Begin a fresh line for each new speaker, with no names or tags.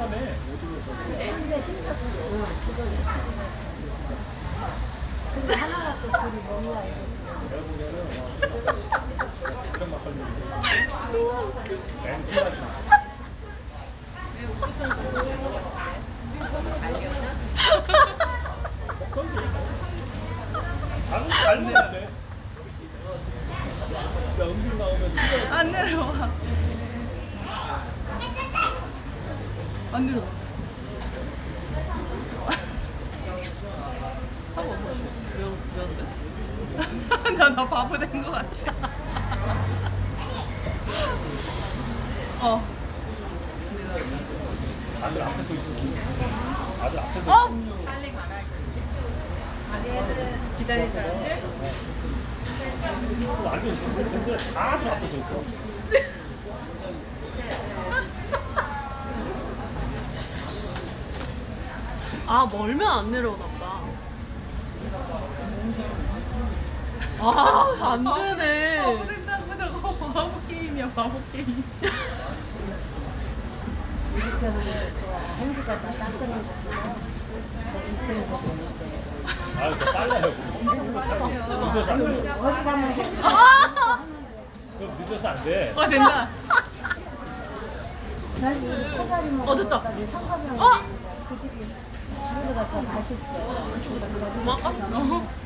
근데 심었어. 그거 시키고. 근데 하나가 또 둘이 뭐야 이거지.
잘 내려네. 음식 나오면
안 내려와. 안 내려와. 나 바보 된 것 같아. 어.
아들 앞에서 있어. 아들 앞에서.
빨리 가라.
기다린 사람들?
앉아 있을 텐데 아들 앞에서 있어.
아, 멀면 안 내려오나 보다. 아, 안 되네.
바보 된다고 저거 바보 게임이야, 바보 게임.
이렇게 하는 거 좋아. 행주가 다 닦는 거구나. 인생도 보는데.
아, 이거 빨라요. 늦어서 안 돼.
어디 가면 행주.
그럼 늦어서 안 돼.
된다.
난 소갈이 먹어.
됐다.
상가병. 그 집이 우리보다 더 맛있어.
고마워.